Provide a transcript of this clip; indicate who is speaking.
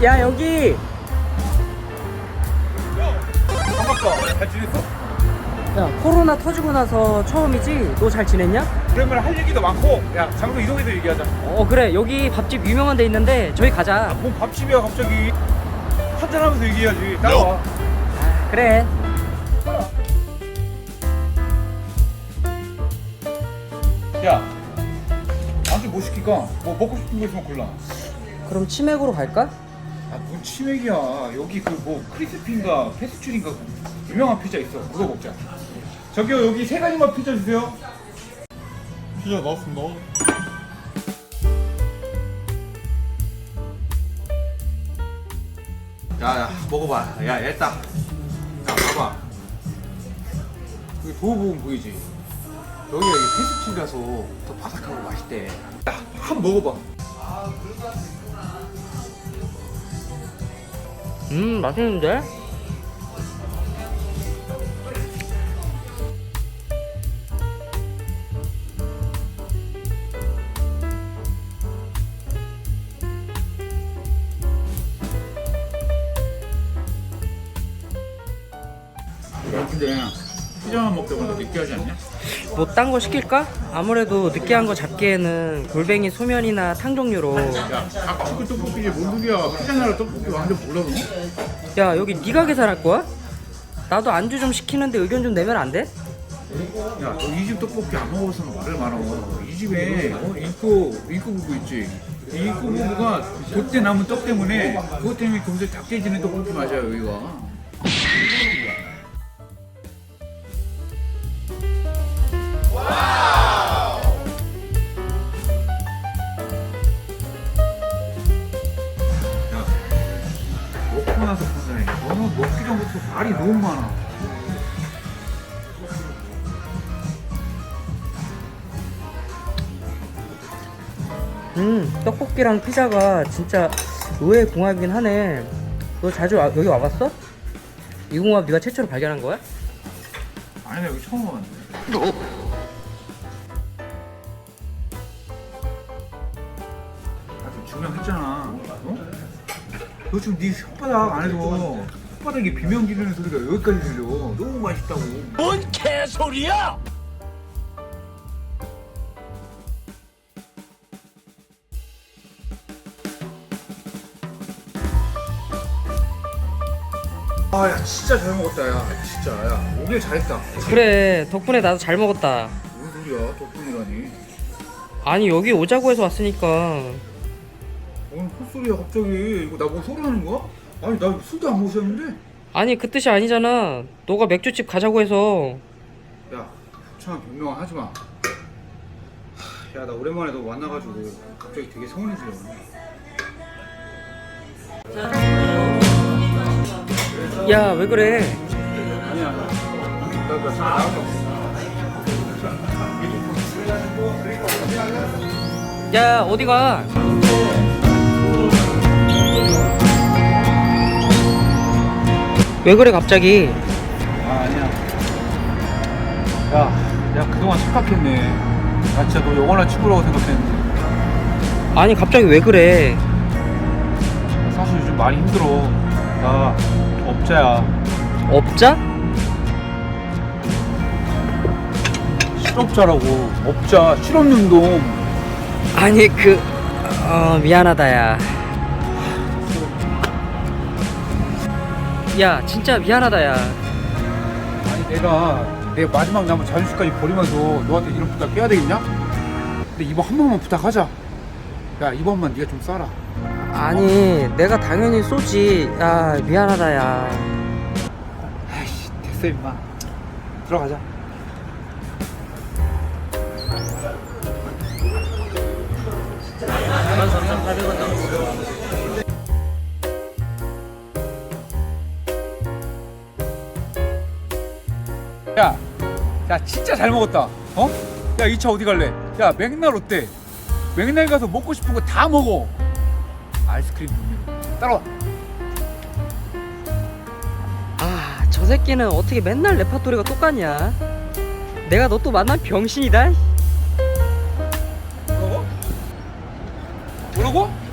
Speaker 1: 야 여기.
Speaker 2: 반갑다. 잘 지냈어?
Speaker 1: 야 코로나 터지고 나서 처음이지? 너 잘 지냈냐?
Speaker 2: 그러면 할 얘기도 많고, 야 장소 이동해서 얘기하자.
Speaker 1: 그래 여기 밥집 유명한 데 있는데 저기 가자.
Speaker 2: 뭔 밥집이야 갑자기. 한잔하면서 얘기해야지. 따라와.
Speaker 1: 아, 그래.
Speaker 2: 야, 안주 뭐 시킬까? 뭐 먹고 싶은 거 있으면 골라.
Speaker 1: 그럼 치맥으로 갈까?
Speaker 2: 아, 뭔 치맥이야. 여기 그 뭐 크리스피인가 페스츄리인가 유명한 피자 있어. 그거 먹자. 저기요, 여기 세 가지만 피자 주세요. 피자 나왔습니다. 야, 먹어봐. 야, 일단. 야, 봐봐. 여기 도우보험 보이지? 여기가 페스츄리라서 더 바삭하고 맛있대. 야, 한 번 먹어봐.
Speaker 1: 맛있는데?
Speaker 2: 야, 근데 피자만 먹다 보니까 느끼하지 않냐?
Speaker 1: 뭐 딴 거 시킬까? 아무래도 느끼한 거 잡기에는 골뱅이 소면이나 탕 종류로.
Speaker 2: 야, 닭치고 떡볶이지 뭔 소리야. 피자 나라 떡볶이 완전 몰라 너?
Speaker 1: 야 여기 네가 계산할 거야? 나도 안주 좀 시키는데 의견 좀 내면 안 돼?
Speaker 2: 야, 너 이 집 떡볶이 안 먹어서는 말을 말아. 이 집에 인코 부부 있지? 이 인코 부부가 그때 남은 떡 때문에 그것 때문에 금세 닭돼지는 떡볶이 맞아요 여기가. 야, 먹고 나서 판단해. 너는 먹기 전부터 말이 너무 많아.
Speaker 1: 떡볶이랑 피자가 진짜 의외의 궁합이긴 하네. 너 자주 여기 와봤어? 이 궁합 네가 최초로 발견한 거야?
Speaker 2: 아니 나 여기 처음 와봤는데. 좀 증명했잖아. 어? 너 지금 네 혓바닥 안에서 혓바닥에 비명 지르는 소리가 여기까지 들려. 너무 맛있다고.
Speaker 3: 뭔 개소리야!
Speaker 2: 아, 야 진짜 잘 먹었다. 야 진짜 야 오길 잘했다.
Speaker 1: 그래 덕분에 나도 잘 먹었다.
Speaker 2: 뭔 소리야 덕분이라니.
Speaker 1: 아니 여기 오자고 해서 왔으니까.
Speaker 2: 오늘 헛소리야 갑자기. 이거 나 뭐 소리하는 거야? 아니 나 술도 안 마셨는데.
Speaker 1: 아니 그 뜻이 아니잖아. 너가 맥주집 가자고 해서.
Speaker 2: 야 참 변명 하지 마. 야 나 오랜만에 너 만나가지고 갑자기 되게 서운해져.
Speaker 1: 야 왜 그래?
Speaker 2: 아니야. 나 지금 나왔어.
Speaker 1: 야 어디가? 왜 그래 갑자기?
Speaker 2: 아 아니야. 야 그동안 착각했네. 나 진짜 너 영원한 친구라고 생각했는데.
Speaker 1: 아니 갑자기 왜 그래?
Speaker 2: 사실 요즘 많이 힘들어. 나 업자야.
Speaker 1: 업자?
Speaker 2: 실업자라고. 업자 실업운동.
Speaker 1: 아니 미안하다 야. 야 진짜 미안하다 야.
Speaker 2: 아니 내가 마지막 남은 자존심까지 버리면서 너한테 이런 부탁 해야 되겠냐? 근데 이번 한 번만 부탁하자. 야 이번만 네가 좀 쏴라.
Speaker 1: 아니 내가 당연히 쏘지. 야 미안하다 야.
Speaker 2: 아이씨 됐어 임마. 들어가자. 야 진짜 잘 먹었다. 어? 야 이 차 어디 갈래? 야 맥날 어때? 맥날 가서 먹고 싶은 거 다 먹어. 아이스크림 먹는 따라와.
Speaker 1: 저 새끼는 어떻게 맨날 레파토리가 똑같냐? 내가 너 또 만난 병신이다.
Speaker 2: 뭐라고? 뭐라고?